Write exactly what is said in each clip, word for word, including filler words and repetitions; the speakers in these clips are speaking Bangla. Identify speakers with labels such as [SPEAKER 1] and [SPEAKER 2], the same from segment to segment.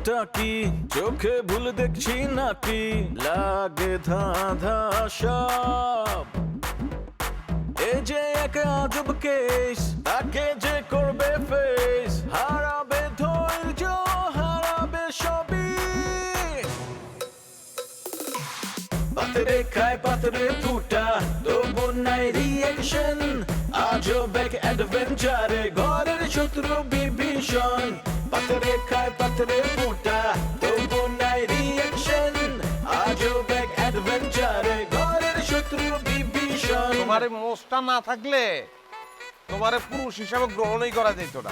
[SPEAKER 1] ব্যাপারটা কি চোখে ভুল দেখছি নাকি লাগে ধাঁধা সব এ যে এক আজব কেস তাকে যে করবে ফেস হারাবে ধৈর্য হারাবে সবই পাতরে খায় পাতরে ফুটা তবু নাই রিয়েকশন আজব এক অ্যাডভেঞ্চারে ঘরের শত্রু বিভীষণ পাতরে খায় পাতরে ফুটা তবু নাই রিয়েকশন আজব এক অ্যাডভেঞ্চারে ঘরের শত্রু বিভীষণ।
[SPEAKER 2] তোমার মোষটা না থাকলে তোমার পুরুষ হিসাবে গ্রহণই করা যেত না।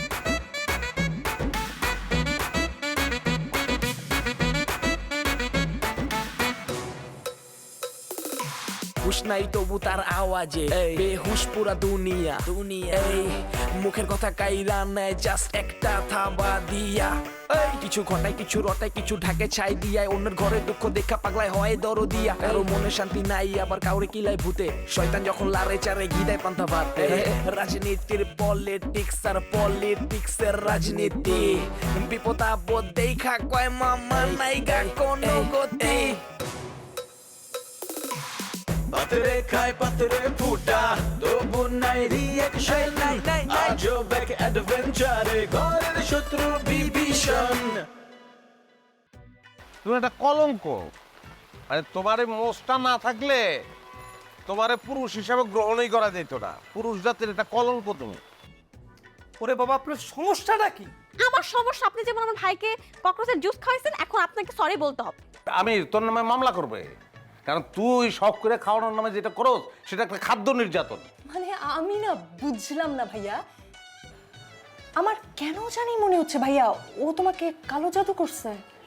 [SPEAKER 3] হুশ নাই তবু তার আওয়াজে বেহুশ পুরা দুনিয়া দুনিয়া এই মুখের কথা কাইরা নেয় জাস্ট একটা থাবা দিয়া এই কিছু ঘটায় কিছু রটায় কিছু ঢাকে ছাই দিয়ায় অন্যের ঘরে দুঃখ দেখা পাগলায় হয় দরো দিয়া কারো মনে শান্তি নাই আবার কাউরে কিলায় ভূতে শয়তান যখন লারে চারে ঘিদায় পান্তা ভাত রাজনীতির পলিটিক্স আর পলিটিক্স এর রাজনীতি বিপদ আপদ দেখা কয় মামা নাই গা কোনো গতি
[SPEAKER 1] পাতরে খায় পাতরে ফুটা তবু নাই রিয়েকশন আজব এক অ্যাডভেঞ্চারে ঘরের শত্রু বিভীষণ।
[SPEAKER 2] তুমি একটা কলঙ্ক, আরে তোমার মোষটা না থাকলে তোমার পুরুষ হিসাবে গ্রহণই করা যেত না। পুরুষ জাতির একটা কলঙ্ক তুমি।
[SPEAKER 4] ওরে বাবা, আপনার সমস্যাটা কি?
[SPEAKER 5] আমার সমস্যা, আপনি যেমন আমার ভাইকে ককরোচের জুস খাওয়াইছেন, এখন আপনাকে সরি বলতে হবে।
[SPEAKER 2] আমি তোর নামে মামলা করবে, কারণ তুই শখ করে খাওয়ানোর নামে যেটা করো সেটা একটা খাদ্য নির্যাতন।
[SPEAKER 6] মানে আমি না বুঝলাম না ভাইয়া, আমার কেন জানি মনে হচ্ছে ভাইয়া ও তোমাকে কালো জাদু করছে।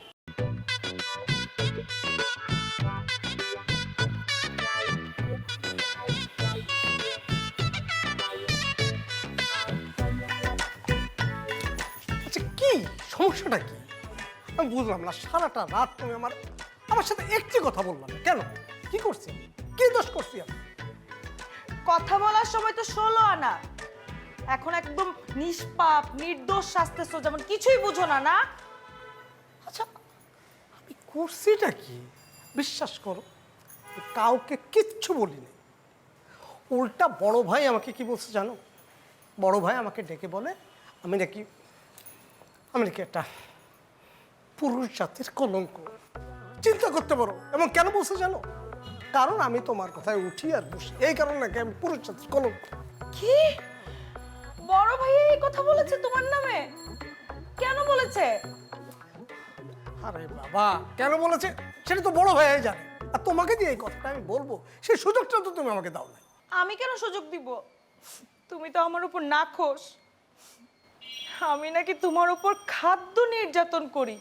[SPEAKER 4] আচ্ছা কি সমস্যাটা কি আমি বুঝলাম না। সারাটা রাত তুমি আমার আমার সাথে একটি কথা বললাম না কেন? কি করছি, কি দোষ করছি আমি?
[SPEAKER 7] কথা বলার সময় তো ষোলো আনা, এখন একদম নিষ্পাপ নির্দোষ শাস্তেছো, যেমন কিছুই বুঝো না। না
[SPEAKER 4] আচ্ছা আমি করছিটা কি? বিশ্বাস করো কাউকে কিচ্ছু বলিনি। উল্টা বড় ভাই আমাকে কি বলছে জানো? বড় ভাই আমাকে ডেকে বলে আমি নাকি আমি নাকি একটা পুরুষ জাতির কলঙ্ক। চিন্তা করতে পারো। এবং কেন বলছে জানো? কারণ আমি তোমার কথায় উঠি আর বসি, এই কারণে নাকি আমি পুরুষ জাতির কলঙ্ক।
[SPEAKER 7] কি বড় ভাই এই কথা বলেছে তোমার নামে? কেন বলেছে?
[SPEAKER 4] আরে বাবা, কেন বলেছে সেটা তো বড় ভাই জানে, আর তোমাকে দিয়ে এই কথাটা আমি বলবো সেই সুযোগটা তো তুমি আমাকে দাও না।
[SPEAKER 7] আমি কেন সুযোগ দিব? তুমি তো আমার উপর নাখোশ। আমি নাকি তোমার উপর খাদ্য নির্যাতন করি।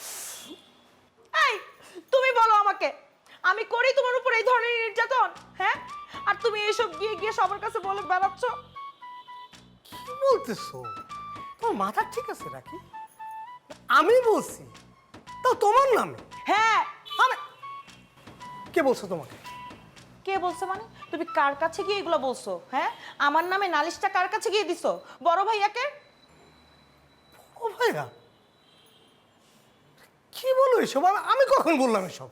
[SPEAKER 7] এই তুমি বলো আমাকে, আমি করি তোমার উপর এই ধরনের নির্যাতন? হ্যাঁ, আর তুমি এইসব গিয়ে গিয়ে সবার কাছে বলে বেড়াচ্ছ।
[SPEAKER 4] কি বলতেছো? তোমার মাথা ঠিক আছে নাকি? আমি বলছি তাও তোমার নামে?
[SPEAKER 7] হ্যাঁ।
[SPEAKER 4] আরে কে বলছো তোমাকে?
[SPEAKER 7] কে বলছে মানে? তুমি কার কাছে গিয়ে এগুলো বলছো? হ্যাঁ, আমার নামে নালিশটা কার কাছে গিয়ে দিছো? বড় ভাইয়াকে।
[SPEAKER 4] ও ভাইয়া কি বলো এসব? আমি কখন বললাম এসব?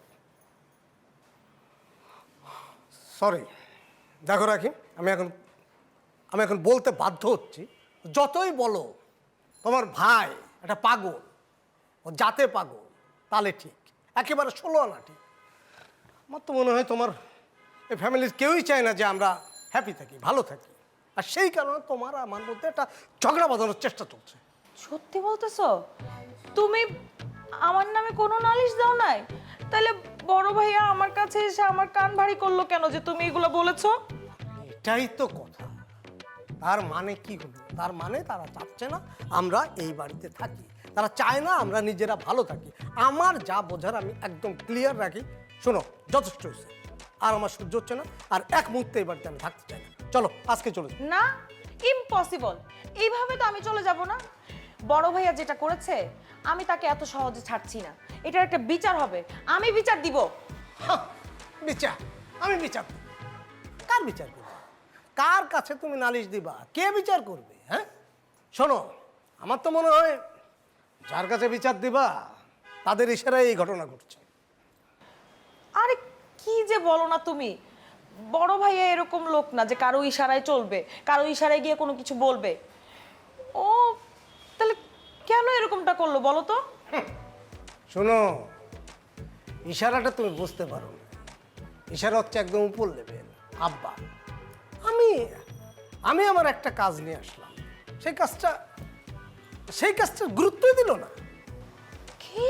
[SPEAKER 4] সরি, দেখো রাখি, আমি এখন আমি এখন বলতে বাধ্য হচ্ছি। যতই বলো তোমার ভাই একটা পাগল, ও জাতে পাগল, তাহলে ঠিক, একেবারে ষোলো আনা ঠিক। আমার তো মনে হয় তোমার এই ফ্যামিলির কেউই চায় না যে আমরা হ্যাপি থাকি, ভালো থাকি, আর সেই কারণে তোমার আমার মধ্যে একটা ঝগড়া বাঁধানোর চেষ্টা চলছে।
[SPEAKER 7] সত্যি বলতেছো? তুমি আমার নামে কোনো নালিশ দাও নাই? তাহলে বড় ভাইয়া আমার কাছে এসে আমার কান ভারী করলো কেন যে তুমি এগুলো বলেছো?
[SPEAKER 4] এটাই তো কথা। তার মানে কি হলো? তার মানে তারা চাচ্ছে না আমরা এই বাড়িতে থাকি, তারা চায় না আমরা নিজেরা ভালো থাকি। আমার যা বোঝার আমি একদম ক্লিয়ার রাখি। শোনো, যথেষ্ট হয়েছে, আর আমার সহ্য হচ্ছে না, আর এক মুহূর্তে এই বাড়িতে আমি থাকতে চাই না। চলো আজকে চলে যাই।
[SPEAKER 7] না, ইম্পসিবল। এইভাবে তো আমি চলে যাব না। বড় ভাইয়া যেটা করেছে আমি তাকে এত সহজে ছাড়ছি না। এটার একটা বিচার হবে, আমি বিচার দিব।
[SPEAKER 4] হাহ, বিচার? আমি বিচার করব? কার বিচার করবো? কার কাছে তুমি নালিশ দিবা? কে বিচার করবে? হ্যাঁ শোনো, আমার তো মনে হয় যার কাছে বিচার দিবা তাদের ইশারায় এই ঘটনা ঘটছে।
[SPEAKER 7] আরে কি যে বলো না তুমি, বড় ভাইয়া এরকম লোক না যে কারো ইশারায় চলবে, কারো ইশারায় গিয়ে কোনো কিছু বলবে। ও তাহলে কেন এরকমটা করলো বলো তো?
[SPEAKER 4] শোনো, ইশারাটা তুমি বুঝতে পারো না। ইশারা হচ্ছে একদম উপর লেভেল। আব্বা, আমি আমি আমার একটা কাজ নিয়ে আসলাম, সেই কাজটা সেই কাজটা গুরুত্বই দিল না।
[SPEAKER 7] কি?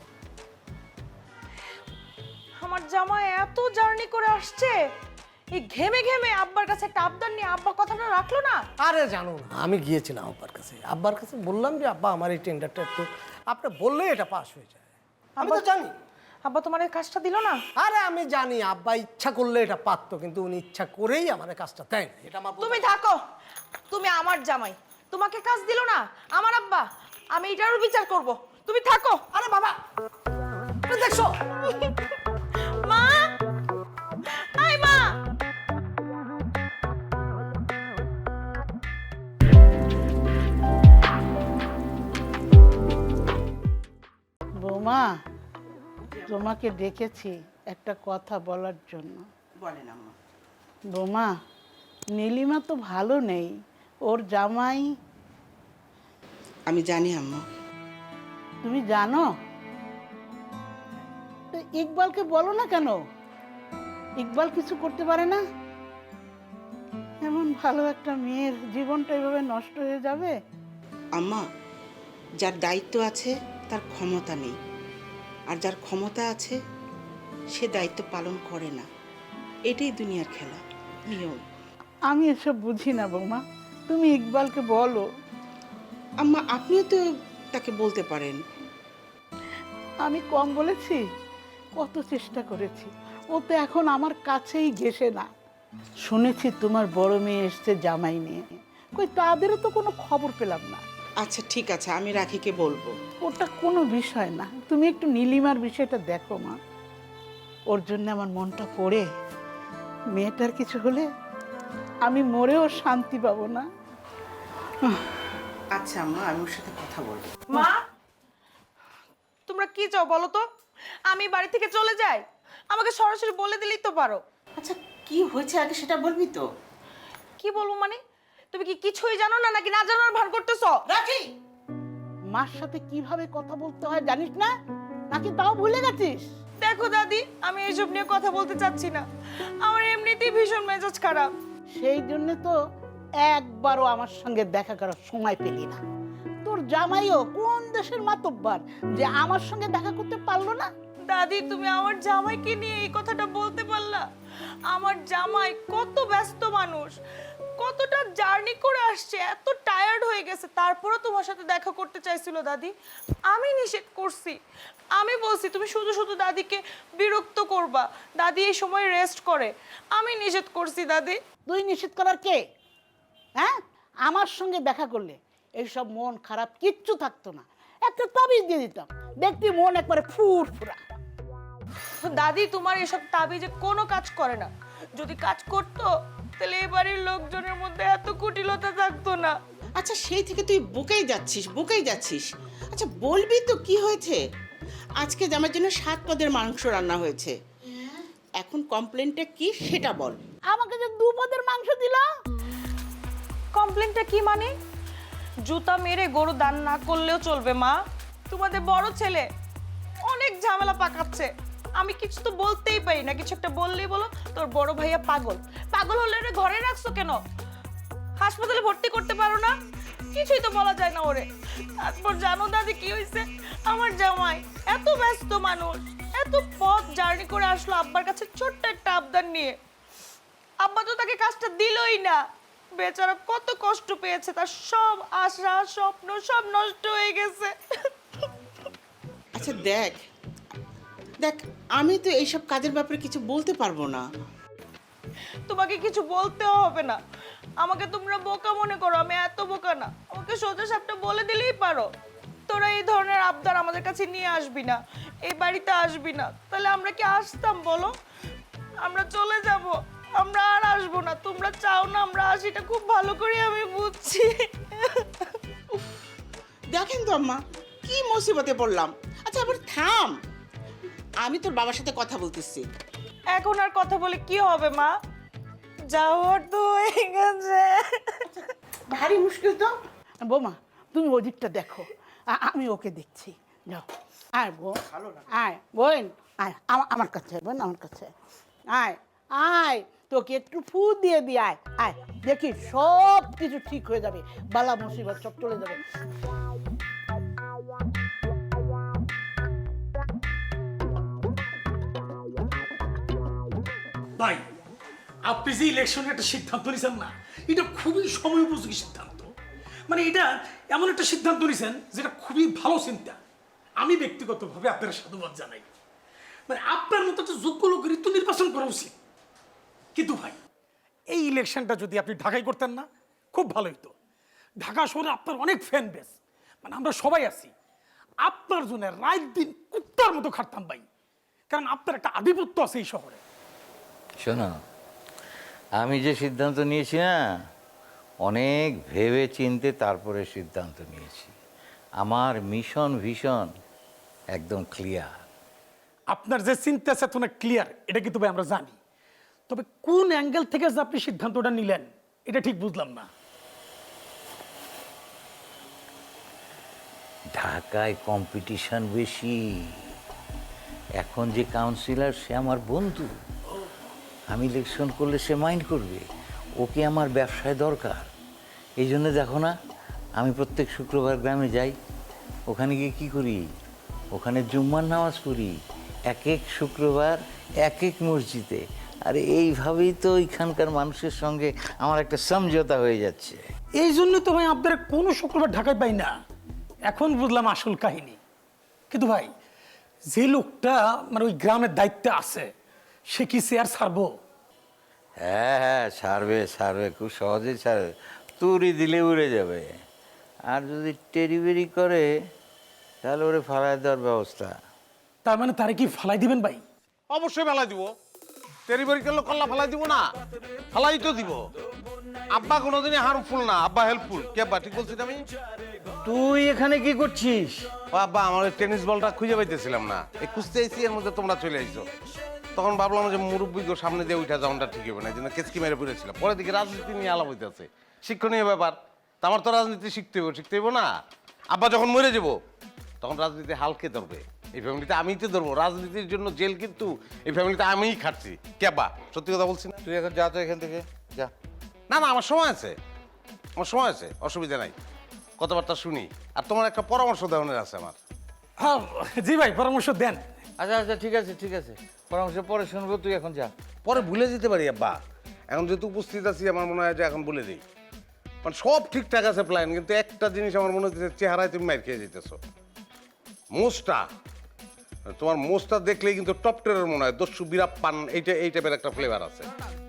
[SPEAKER 7] আমার জামাই এত জার্নি করে আসছে, এই ঘেমে ঘেমে আব্বার কাছে একটা আবদার নিয়ে আব্বা কথাটা রাখলো না?
[SPEAKER 4] আরে জানো না, আমি গিয়েছিলাম আব্বার কাছে, আব্বার কাছে বললাম যে আব্বা আমার এই টেন্ডারটা একটু আপনি বললে এটা পাস হয়ে যায়। আমি তো জানি।
[SPEAKER 7] আব্বা তোমার এই কাজটা দিল না?
[SPEAKER 4] আরে আমি জানি আব্বা ইচ্ছা করলে এটা পারতো, কিন্তু উনি ইচ্ছা করেই আমার কাজটা দেয় না। এটা আমার
[SPEAKER 7] তুমি থাকো, তুমি আমার জামাই, তোমাকে কাজ দিল না আমার আব্বা, আমি এটারও বিচার করব। তুমি থাকো।
[SPEAKER 4] আরে বাবা, তুমি দেখছো
[SPEAKER 7] মা, আই মা।
[SPEAKER 8] বৌমা, তোমাকে ডেকেছি একটা কথা বলার জন্য।
[SPEAKER 9] বলেন আম্মা।
[SPEAKER 8] বৌমা, নীলিমা তো ভালো নেই, ওর জামাই।
[SPEAKER 9] আমি জানি আম্মা।
[SPEAKER 8] তুমি জানো? তো ইকবালকে বলো না কেন? ইকবাল কিছু করতে পারে না? এমন ভালো একটা মেয়ের জীবনটা এভাবে নষ্ট হয়ে যাবে?
[SPEAKER 9] আম্মা, যার দায়িত্ব আছে তার ক্ষমতা নেই, আর যার ক্ষমতা আছে সে দায়িত্ব পালন করে না। এটাই দুনিয়ার খেলা, নিয়ম।
[SPEAKER 8] আমি এসব বুঝি না বৌমা, তুমি ইকবালকে বলো।
[SPEAKER 9] আম্মা, আপনিও তো তাকে বলতে পারেন।
[SPEAKER 8] আমি কম বলেছি? কত চেষ্টা করেছি, ও তো এখন আমার কাছেই ঘেসে না। শুনেছি তোমার বড় মেয়ে এসছে জামাই নিয়ে, কই তাদেরও তো কোনো খবর পেলাম না।
[SPEAKER 9] আচ্ছা ঠিক আছে, আমি রাখিকে বলবো।
[SPEAKER 8] ওটা কোনো বিষয় না, তুমি একটু নীলিমার বিষয়টা দেখো মা। ওর জন্য আমার মনটা পড়ে, মেয়েটার কিছু হলে আমি মরেও শান্তি পাবো না।
[SPEAKER 9] আচ্ছা আম্মা, আমি ওর সাথে কথা বলবো।
[SPEAKER 7] মা, তোমরা কি চাও বলো তো? আমি বাড়ি থেকে চলে যাই? আমাকে সরাসরি বলে দিলেই তো পারো।
[SPEAKER 9] আচ্ছা কি হয়েছে আগে সেটা বলবি তো?
[SPEAKER 7] কি বলবো মানে? তুমি কি কিছুই জানো না নাকি না জানার ভান করতেছো?
[SPEAKER 8] রাখি, মার সাথে কিভাবে কথা বলতে হয় জানিস না, নাকি তাও ভুলে গেছিস?
[SPEAKER 7] দেখো দাদি, আমি এইসব নিয়ে কথা বলতে চাচ্ছি না, আমার এমনিতেই ভীষণ মেজাজ খারাপ।
[SPEAKER 8] সেই জন্য তো একবারও আমার সঙ্গে দেখা করার সময় পেলি না। তোর জামাইও কোন দেশের মাতব্বার যে আমার সঙ্গে দেখা করতে পারলো না?
[SPEAKER 7] দাদি, তুমি আমার জামাইকে নিয়ে এই কথাটা বলতে পারলা? আমার জামাই কত ব্যস্ত মানুষ, কতটা জার্নি করে আসছে, এত টায়ার্ড হয়ে গেছে, তারপরও তোমার সাথে দেখা করতে চাইছিল দাদি। আমি নিষেধ করছি, আমি বলছি তুমি শুধু শুধু দাদিকে বিরক্ত করবা, দাদি এই সময় রেস্ট করে, আমি নিষেধ করছি দাদি।
[SPEAKER 8] তুই নিষেধ করার কে? হ্যাঁ, আমার সঙ্গে দেখা করলে এইসব মন খারাপ কিচ্ছু থাকতো না, একটা তাবিজ দিয়ে দিতাম, দেখবি মন একবারে ফুরফুরা।
[SPEAKER 7] দাদি, তোমার এসব তাবিজে কোনো কাজ করে না, যদি কাজ করতো তাহলে এই বাড়ির লোকজনের মধ্যে এত কুটিলতা থাকতো না।
[SPEAKER 9] আচ্ছা সেই থেকে তুই বুকেই যাচ্ছিস বুকেই যাচ্ছিস আচ্ছা বলবি তো কি হয়েছে? আজকে আমার জন্য সাত পদের মাংস রান্না হয়েছে, এখন কমপ্লেনটা কি সেটা বল।
[SPEAKER 8] আমাকে যে দু পদের মাংস দিল।
[SPEAKER 7] কমপ্লেনটা কি মানে? জুতা মেরে গরু দান না করলেও চলবে মা, তোমাদের বড় ছেলে অনেক ঝামেলা পাকাচ্ছে, আমি কিছু তো বলতেই পারি না, কিছু একটা বললেই বলো তোর বড় ভাইয়া পাগল। পাগল হলে ওরে ঘরে রাখছো কেন? হাসপাতালে ভর্তি করতে পারো না? কিছুই তো বলা যায় না ওরে। তারপর জানো দাদি কি হয়েছে? আমার জামাই এত ব্যস্ত মানুষ, এত পথ জার্নি করে আসলো আব্বার কাছে ছোট্ট একটা আবদার নিয়ে, আব্বা তো তাকে কাজটা দিলই না। বেচারা কত কষ্ট পেয়েছে, তার সব আশা স্বপ্ন সব নষ্ট হয়ে গেছে।
[SPEAKER 9] আচ্ছা দেখ দেখ আমি তো এইসব কাজের ব্যাপারে কিছু বলতে পারবো না।
[SPEAKER 7] তোমাকে কিছু বলতেও হবে না, আমাকে তোমরা বোকা মনে করো, আমি এত বোকা না, আমাকে সোজা সাপটা বলে দিলেই পারো তোরা এই ধরনের আবদার আমাদের কাছে নিয়ে আসবি না, এই বাড়িতে আসবি না। তাহলে আমরা কি আসতাম বলো? আমরা চলে যাব, আমরা আর আসবো না। তোমরা চাও না আমরা আসি, এটা খুব ভালো করে আমি বুঝছি।
[SPEAKER 9] দেখেন তো আম্মা কি মুসিবতে পড়লাম। আচ্ছা আবার থাম, আমি তোর বাবার সাথে কথা বলতেছি।
[SPEAKER 7] এখন আর কথা বলে কি হবে মা? যাওয়ার তো হয়ে গেছে।
[SPEAKER 8] ভারী মুশকিল তো। বৌমা তুমি ওদিকটা দেখো, আ- আমি ওকে দেখছি। যাও আয় বোন, আয় বোন, আয় আমা- আমার কাছে আয় বোন, আমার কাছে আয়। আয় আয় তোকে একটু ফু দিয়ে দি, আয় আয়, দেখি সব কিছু ঠিক হয়ে যাবে, বালা মুসিবত সব চলে যাবে।
[SPEAKER 10] ভাই, আপনি যে ইলেকশনে একটা সিদ্ধান্ত নিয়েছেন না, এটা খুবই সময় উপযোগী সিদ্ধান্ত। মানে এটা এমন একটা সিদ্ধান্ত নিয়েছেন যেটা খুবই ভালো চিন্তা। আমি ব্যক্তিগতভাবে আপনার সাধুবাদ জানাই। মানে আপনার মতো একটা যোগ্য লোকেরই তো নির্বাচন করা উচিত। কিন্তু ভাই, এই ইলেকশনটা যদি আপনি ঢাকায় করতেন না, খুব ভালো হতো। ঢাকা শহরে আপনার অনেক ফ্যান বেস, মানে আমরা সবাই আছি। আপনার জন্য রাত দিন কুত্তার মতো খাটতাম ভাই, কারণ আপনার একটা আধিপত্য আছে এই শহরে।
[SPEAKER 11] শোনো, আমি যে সিদ্ধান্ত নিয়েছি না, অনেক ভেবে চিনতে তারপরে সিদ্ধান্ত নিয়েছি। আমার মিশন ভিশন একদম ক্লিয়ার।
[SPEAKER 10] আপনার যে চিন্তা চেতনা ক্লিয়ার, এটা কিন্তু ভাই আমরা জানি। তবে কোন অ্যাঙ্গেল থেকে যে আপনি সিদ্ধান্তটা নিলেন, এটা ঠিক বুঝলাম না।
[SPEAKER 11] ঢাকায় কম্পিটিশন বেশি। এখন যে কাউন্সিলর সে আমার বন্ধু, আমি ইলেকশন করলে সে মাইন্ড করবে। ওকে আমার ব্যবসায় দরকার। এই জন্য দেখো না, আমি প্রত্যেক শুক্রবার গ্রামে যাই। ওখানে গিয়ে কী করি? ওখানে জুম্মার নামাজ পড়ি, এক এক শুক্রবার এক এক মসজিদে। আর এইভাবেই তো ওইখানকার মানুষের সঙ্গে আমার একটা সমঝোতা হয়ে যাচ্ছে।
[SPEAKER 10] এই জন্য তো ভাই আপনারা কোনো শুক্রবার ঢাকায় পাই না। এখন বুঝলাম আসল কাহিনী। কিন্তু ভাই, যে লোকটা মানে ওই গ্রামের দায়িত্বে আছে, সে কি চেয়ার ছাড়বো?
[SPEAKER 11] হ্যাঁ হ্যাঁ, ছাড়বে ছাড়বে, খুব সহজেই ছাড়বে। তুড়ি দিলে উড়ে যাবে। আর যদি টেরিবেরি করে, তাহলে ওরে ফালাই দেওয়ার ব্যবস্থা।
[SPEAKER 10] তার মানে তারে কি ফালাই দিবেন ভাই?
[SPEAKER 2] অবশ্যই ফেলাই দিব। তেরিবারি করলে কল্লা ফেলাই দিব না, ফেলাই তো দিব। আব্বা কোনোদিনই হার্মফুল না, আব্বা হেল্পফুল। কে আব্বা, ঠিক বলছি না আমি?
[SPEAKER 11] তুই এখানে কি করছিস?
[SPEAKER 2] ও আব্বা, আমার ওই টেনিস বলটা খুঁজে পাইতেছিলাম না, এই খুঁজতে আইছি, এর মধ্যে তোমরা চলে আইছো। তখন ভাবলাম যে মুরব্বীকে সামনে দিয়ে উঠা যাওয়াটা ঠিক হবে না, এই জন্য কেসকি মেরে পড়েছিলাম। পরে দিকে রাজনীতি নিয়ে আলাপ হইতেছে, শিক্ষণীয় ব্যাপার। তা আমার তো রাজনীতি শিখতে হইব, শিখতে হইব না? আব্বা যখন মরে যাব, তখন রাজনীতি হালকে ধরবে। এই ফ্যামিলিতে আমিই তো ধরবো। রাজনীতির জন্য জেল কিন্তু এই ফ্যামিলিতে আমিই খাটছি। কে আব্বা, সত্যি কথা বলছি না?
[SPEAKER 11] তুই এখন যা তো এখান থেকে, যা।
[SPEAKER 2] না না, আমার সময় আছে, আমার সময় আছে, অসুবিধা নাই। কথাবার্তা শুনি। আর তোমার একটা পরামর্শ দেওয়ার আছে আমার।
[SPEAKER 10] হ্যাঁ জি ভাই, পরামর্শ দেন।
[SPEAKER 11] আচ্ছা আচ্ছা, ঠিক আছে ঠিক আছে, পরামর্শ পরে শুনবো, তুই এখন যা।
[SPEAKER 2] পরে ভুলে যেতে পারি আব্বা, এখন যেহেতু উপস্থিত আছি, আমার মনে হয় যে এখন বলে দিই। মানে সব ঠিকঠাক আছে প্ল্যান, কিন্তু একটা জিনিস আমার মনে হচ্ছে, চেহারায় তুমি মাইর খেয়ে যেতেছো। মোষটা, তোমার মোষটা দেখলেই কিন্তু টপ টেরের মনে হয়, দস্যু বিরাপ পান, এইটা এই টাইপের একটা ফ্লেভার আছে।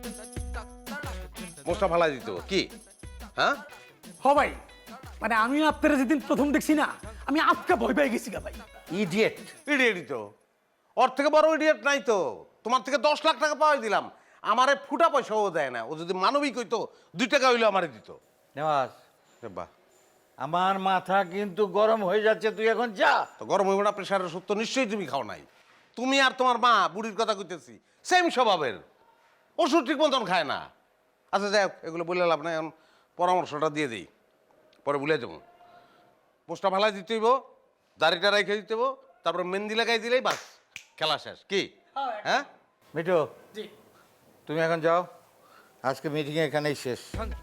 [SPEAKER 2] মোষটা ফালাই দিত কি? হ্যাঁ
[SPEAKER 10] হ ভাই, মানে আমিও আপনারা যেদিন প্রথম দেখছি না, আমি আপকা ভয় পেয়ে গেছি গা ভাই।
[SPEAKER 2] ইডিয়েট, ইডিয়েটই তো। ওর থেকে বড় ইডিয়েট নাই তো। তোমার থেকে দশ লাখ টাকা পাওয়াই দিলাম, আমারে ফুটা পয়সাও দেয় না। ও যদি মানবিক হইতো, দুই টাকা হইলেও আমারে দিত।
[SPEAKER 11] নেওয়াজ,
[SPEAKER 2] বাহ,
[SPEAKER 11] আমার মাথা কিন্তু গরম হয়ে যাচ্ছে, তুই এখন যা।
[SPEAKER 2] তো গরম হইব না? প্রেশারের সত্য নিশ্চয়ই তুমি খাও নাই। তুমি আর তোমার মা, বুড়ির কথা কইতেছি, সেম স্বভাবের। ওষুধ ঠিক মতন খায় না। আচ্ছা যাই হোক, এগুলো বলে লাভ নাই। এখন পরামর্শটা দিয়ে দিই, পরে ভুলে যাবো। পোস্টটা ভালাই দিতে হইব, দাড়িটা রেখে দিতে হইব, তারপরে মেহেন্দি লাগাই দিলেই বাস, খেলা শেষ। কি? হ্যাঁ
[SPEAKER 11] মিঠু,
[SPEAKER 10] জি।
[SPEAKER 11] তুমি এখন যাও, আজকে মিটিং এখানেই শেষ।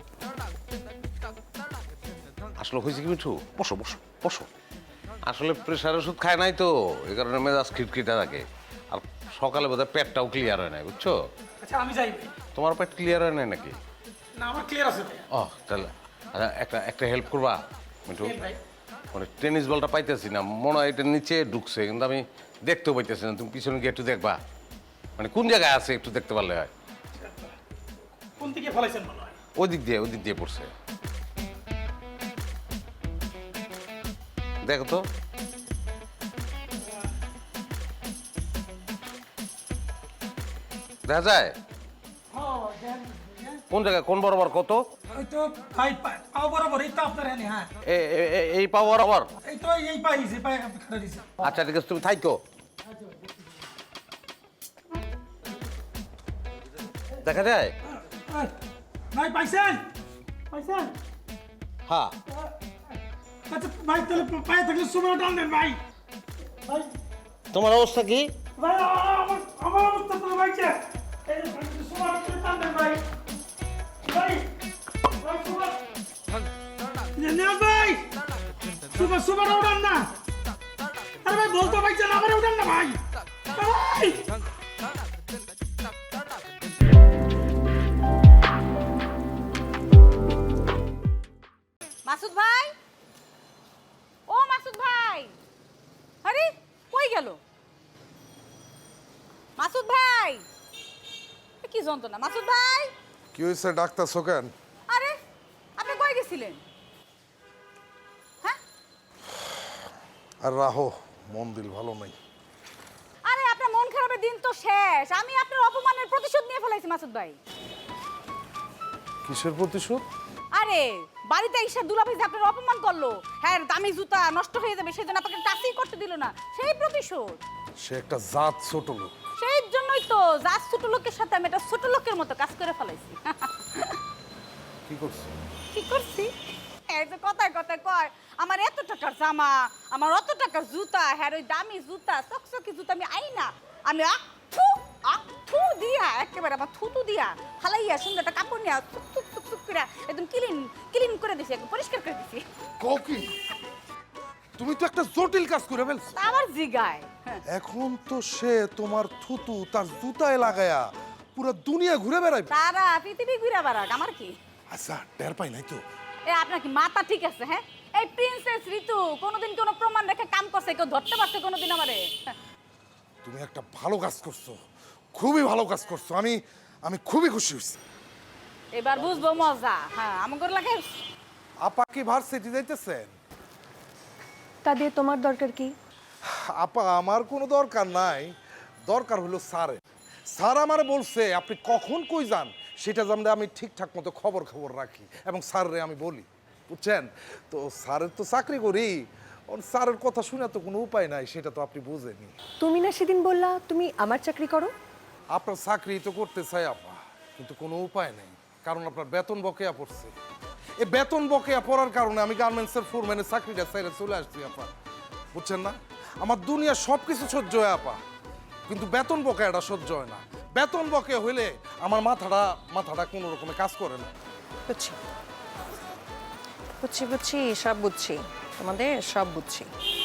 [SPEAKER 2] আসলে হয়েছে কি মিঠু, বসো বসো বসো। আসলে প্রেশার ওষুধ খায় নাই তো, এই কারণে মেজাজ খিটখিটা থাকে। আর সকালে বোধহয় পেটটাও ক্লিয়ার হয় নাই, বুঝছো?
[SPEAKER 10] আচ্ছা আমি যাই ভাই।
[SPEAKER 2] তোমার পেট ক্লিয়ার হয় নাই নাকি?
[SPEAKER 10] না, আমার ক্লিয়ার আছে ভাই।
[SPEAKER 2] ও তাহলে আচ্ছা, একটা একটা হেল্প করবা মিঠু?
[SPEAKER 10] ভাই,
[SPEAKER 2] মানে টেনিস বলটা পাইতেছি না, মনে হয় এটা নিচে ঢুকছে, কিন্তু আমি দেখতেও পাইতেছি না। তুমি পিছনে গিয়ে একটু দেখবা, মানে কোন জায়গায় আছে একটু দেখতে পারলে হয়।
[SPEAKER 10] কোন দিকে ফলাইছেন মনে হয়?
[SPEAKER 2] ওই দিক দিয়ে, ওই দিক দিয়ে পড়ছে। দেখো তো। দেখা যায় কোন জায়গায়, কোন বরাবর, কত?
[SPEAKER 10] ওই তো ভাই, পা- পাও বরাবর, এই তো আপনার এখানে। হ্যাঁ,
[SPEAKER 2] এ- এ- এ- এই পাওয়ার আবার
[SPEAKER 10] এই তো এই পাই যে পাই খাড়া দিছে
[SPEAKER 2] আচ্ছা ঠিক আছে তুমি থাইকো দেখা যায়
[SPEAKER 10] ভাই পাইছেন পাইছেন
[SPEAKER 2] হ্যাঁ
[SPEAKER 10] আচ্ছা ভাই তাহলে পায়ে থাকলে সময় টান দেন ভাই ভাই
[SPEAKER 2] তোমার অবস্থা কি
[SPEAKER 10] ভাই আমার আমার অবস্থা তো ভাইছে এই সময় টান দেন ভাই ভাই ভাই সময় না ভাই সুপার সুপার উড়ান না আরে ভাই বলতো ভাই যে আমারে উড়ান না ভাই ভাই
[SPEAKER 5] মাসুদ ভাই, ও মাসুদ ভাই, আরে কই গেল মাসুদ ভাই? এ কি যন্ত্রণা মাসুদ ভাই?
[SPEAKER 12] কি হয়েছে ডাক্তার সোকেন?
[SPEAKER 5] আরে আপনি কই গেছিলেন? হ্যাঁ
[SPEAKER 12] আর রাহো, মন দিল ভালো নাই।
[SPEAKER 5] আরে আপনার মন খারাপের দিন তো শেষ। আমি আপনার অপমানের প্রতিশোধ নিয়ে ফেলাইছি মাসুদ ভাই।
[SPEAKER 12] কিসের প্রতিশোধ?
[SPEAKER 5] আরে বাড়িতে এসে দুলাভাই যে আপনার অপমান করলো, হ্যাঁ দামি জুতা নষ্ট হয়ে যাবে সেই জন্য আপনাকে টাচই করতে দিল না, সেই প্রতিশোধ।
[SPEAKER 12] সে একটা জাত ছোট লোক।
[SPEAKER 5] সেই জন্যই তো জাত ছোট লোকের সাথে আমি একটা ছোট লোকের মতো কাজ করে ফেলাইছি।
[SPEAKER 12] কি করছে?
[SPEAKER 5] কি করছি? এই যে কথায় কথায় কয় আমার এত টাকার জামা, আমার অত টাকার জুতা, হ্যাঁ ওই দামি জুতা চকচকি জুতা আমি আই না, আমি আঠু আঠু দিয়া একেবারে আমার থুতু দিয়া ফালাইয়া সুন্দর একটা কাপড় নিয়ে চুক চুক চুক চুক করে একদম ক্লিন ক্লিন করে দিছি, একদম পরিষ্কার করে দিছি।
[SPEAKER 12] ককি তুমি তো একটা জটিল কাজ করে ফেলছো।
[SPEAKER 5] তা আবার জিগায়, হ্যাঁ।
[SPEAKER 12] এখন তো সে তোমার থুতু তার জুতায় লাগায়া পুরো দুনিয়া ঘুরে বেড়াইবে।
[SPEAKER 5] তারা পৃথিবী ঘুরে বেড়াক, আমার কি?
[SPEAKER 12] আচ্ছা টের পাই নাই তো?
[SPEAKER 5] এ আপনার কি মাথা ঠিক আছে? হ্যাঁ এই প্রিন্সেস ঋতু কোনোদিন কোনো প্রমাণ রেখে কাম করছে, কেউ ধরতে পারছে কোনোদিন আমারে?
[SPEAKER 12] তুমি একটা ভালো কাজ করছো, খুবই ভালো কাজ করছো। আমি আমি খুবই খুশি হয়েছি।
[SPEAKER 5] এবার বুঝবো মজা। হ্যাঁ আমার লাগে।
[SPEAKER 12] আপা কি ভার্সিটি যাইতেছেন?
[SPEAKER 6] তা দিয়ে তোমার দরকার কি?
[SPEAKER 12] আপা আমার কোনো দরকার নাই, দরকার হলো স্যারের। স্যার আমার বলছে আপনি কখন কই যান সেটা জানলে আমি ঠিকঠাক মতো খবর খবর রাখি এবং স্যাররে আমি বলি, বুঝছেন তো? স্যারের তো চাকরি করি, স্যারের কথা শুনে তো কোনো উপায় নাই, সেটা তো আপনি বুঝেনি।
[SPEAKER 6] তুমি না সেদিন বললা তুমি আমার চাকরি করো?
[SPEAKER 12] আপনার চাকরি তো করতে চাই আপা, কিন্তু কোনো উপায় নেই, কারণ আপনার বেতন বকেয়া পড়ছে। এই বেতন বকেয়া পড়ার কারণে আমি গার্মেন্টসের ফোরম্যানের চাকরিটা ছেড়ে চলে আসছি আপা, বুঝছেন না? আমার দুনিয়া সব কিছু সহ্য হয় আপা, কিন্তু বেতন বকেয়াটা সহ্য হয় না। বেতন বকেয়া হইলে আমার মাথাটা মাথাটা কোনো রকমে কাজ করে না।
[SPEAKER 6] বুঝছি বুঝছি বুঝছি সব বুঝছি, তোমাদের সব বুঝছি।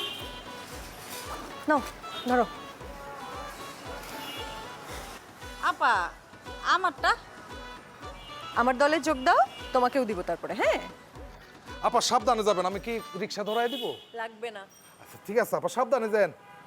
[SPEAKER 6] নাও ধরো।
[SPEAKER 5] আপা আমারটা
[SPEAKER 6] আমার দলে যোগ দাও, তোমাকেও দিব তারপরে। হ্যাঁ
[SPEAKER 12] আপা সাবধানে যাবেন, আমি কি রিক্সা ধরাই দিব?
[SPEAKER 6] লাগবে না।
[SPEAKER 12] আচ্ছা ঠিক আছে আপা, সাবধানে যান,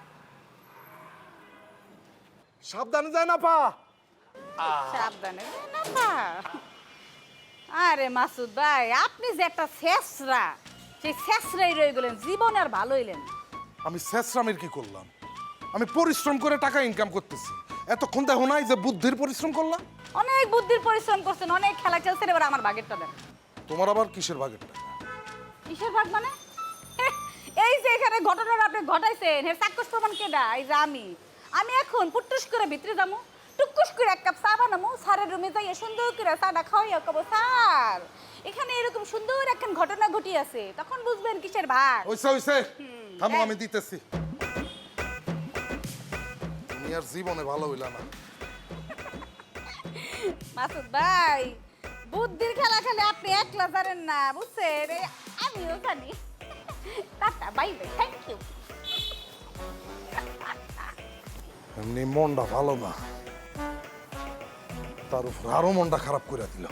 [SPEAKER 12] সাবধানে যান আপা।
[SPEAKER 5] সাবধানে না পা। আরে মাসুদ ভাই আপনি যে একটা শেষরা, সেই শেষরাই রয়ে গেলেন, জীবন আর ভালো হইলেন।
[SPEAKER 12] আমি শেষরামের কি করলাম? আমি পরিশ্রম করে টাকা ইনকাম করতেছি, এতক্ষণ দেখো নাই যে বুদ্ধির পরিশ্রম করলাম?
[SPEAKER 5] অনেক বুদ্ধির পরিশ্রম করছেন, অনেক খেলা খেলছেন, এবার আমার ভাগেরটা দেন।
[SPEAKER 12] তোমার আবার কিসের ভাগের টাকা?
[SPEAKER 5] কিসের ভাগ মানে? এই যে এখানে ঘটনাটা আপনি ঘটাইছেন, এর চাক্ষুষ প্রমাণ কেডা? এই যে আমি আমি এখন পুটুস করে ভিতরে যাবো, টুকুস করে এক কাপ চা বানাবো, স্যারের রুমে যাই সুন্দর করে চাটা খাওয়াইয়া কব স্যার এখানে এরকম সুন্দর একখান ঘটনা ঘটি আছে, তখন বুঝবেন কিসের ভাগ।
[SPEAKER 12] ওইসে ওইসে থামো, আমি দিতেছি। তুমি আর জীবনে ভালো হইলা না।
[SPEAKER 5] মাসুদ ভাই বুদ্ধির খেলা খেলে আপনি একলা জানেন না, বুঝছেন? এই আমিও জানি। Tata bye bye, thank you.
[SPEAKER 12] এমনি মনটা ভালো না, তার উপর আরো মনটা খারাপ করে দিল।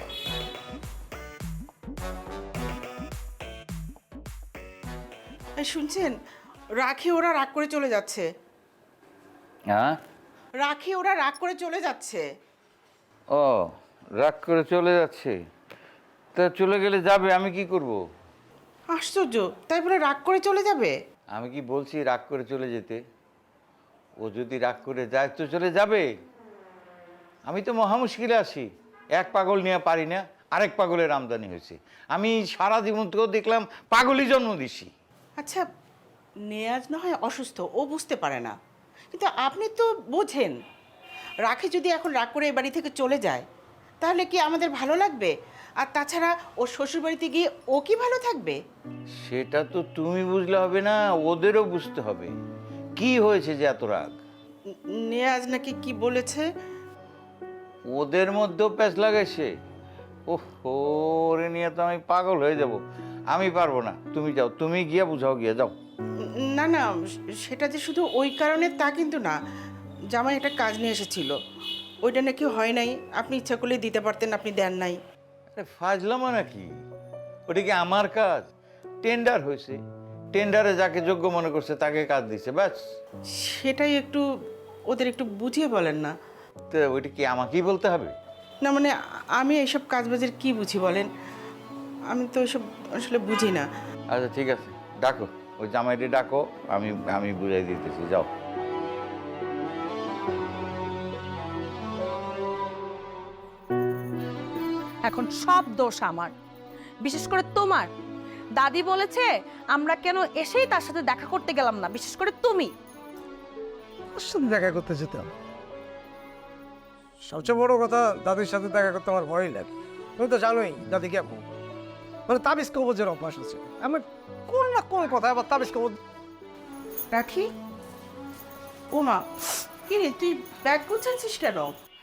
[SPEAKER 9] এই শুনছেন, রাখি ওরা রাগ করে চলে যাচ্ছে।
[SPEAKER 11] হ্যাঁ
[SPEAKER 9] রাখি ওরা রাগ করে চলে যাচ্ছে।
[SPEAKER 11] ও রাগ করে চলে যাচ্ছে, তা চলে গেলে যাবে, আমি কি করব?
[SPEAKER 9] আশ্চর্য, তাই বলে রাগ করে চলে যাবে?
[SPEAKER 11] আমি কি বলছি রাগ করে চলে যেতে? ও যদি রাগ করে যায় তো চলে যাবে। আমি তো মহা মুশকিলে আছি, এক পাগল নিয়ে পারি না, আরেক পাগলের আমদানি হয়েছে। আমি সারা জীবন তো দেখলাম পাগলই জন্ম দিছি।
[SPEAKER 9] আচ্ছা নেয়াজ না হয় অসুস্থ, ও বুঝতে পারে না, কিন্তু আপনি তো বোঝেন। রাখি যদি এখন রাগ করে এই বাড়ি থেকে চলে যায় তাহলে কি আমাদের ভালো লাগবে? আর তাছাড়া ওর শ্বশুরবাড়িতে গিয়ে ও কি ভালো থাকবে?
[SPEAKER 11] সেটা তো তুমি বুঝলে হবে না, ওদেরও বুঝতে হবে কি হয়েছে যে এত রাগ।
[SPEAKER 9] নেয়াজ নাকি কি বলেছে?
[SPEAKER 11] ওদের মধ্যেও প্যাচ লাগাইছে। ওহ, ওরে নিয়ে তো আমি পাগল হয়ে যাব। আমি পারবো না, তুমি যাও, তুমি গিয়ে বুঝাও, গিয়ে যাও।
[SPEAKER 9] না না, সেটা যে শুধু ওই কারণে তা কিন্তু না। জামাই একটা কাজ নিয়ে এসেছিল, ওইটা নাকি হয় নাই। আপনি ইচ্ছা করলে দিতে পারতেন, আপনি দেন নাই।
[SPEAKER 11] আরে ফাজলামা নাকি? ওটা কি আমার কাজ? টেন্ডার হয়েছে, টেন্ডারে যাকে যোগ্য মনে করছে তাকে কাজ দিছে, ব্যাস।
[SPEAKER 9] সেটাই একটু ওদের একটু বুঝিয়ে বলেন না।
[SPEAKER 11] তো ওইটা কি আমাকেই বলতে হবে?
[SPEAKER 9] না মানে আমি এইসব কাজবাজের কি বুঝি বলেন? আমি তো এসব আসলে বুঝি না।
[SPEAKER 11] আচ্ছা ঠিক আছে, ডাকো ওই জামাইটি, ডাকো, আমি আমি বুঝাই দিতেছি, যাও।
[SPEAKER 7] এখন সব দোষ আমার, বিশেষ করে তোমার। দাদি বলেছে আমরা কেন এসেই তার সাথে দেখা করতে গেলাম না, বিশেষ করে তুমি।
[SPEAKER 4] ওর সাথে দেখা করতে যেতাম। সবচেয়ে বড় কথা, দাদির সাথে দেখা করতে আমার ভয়ই লাগে। তুমি তো জানোই দাদি কেমন, মানে তাবিজ কবজের অভ্যাস আছে। আমি কোন না কোন কথা আবার তাবিজ কবজ।
[SPEAKER 9] রাখি, ও মা, কি রে তুই ব্যাগ গুছাচ্ছিস কেন?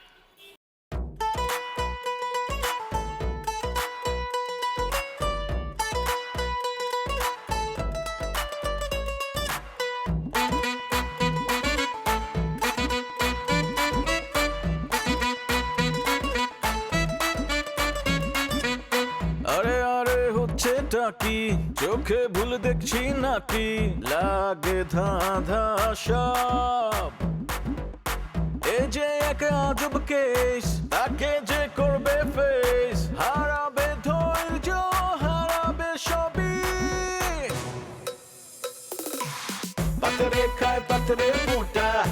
[SPEAKER 1] আরে আরে হচ্ছেটা কি, চোখে ভুল দেখছি নাকি, লাগে ধাঁধা সব। এ যে এক আজব কেস, তাকে যে করবে ফেস, হারাবে ধৈর্য, হারাবে সবই। পাতরে খায় পাতরে ফুটা,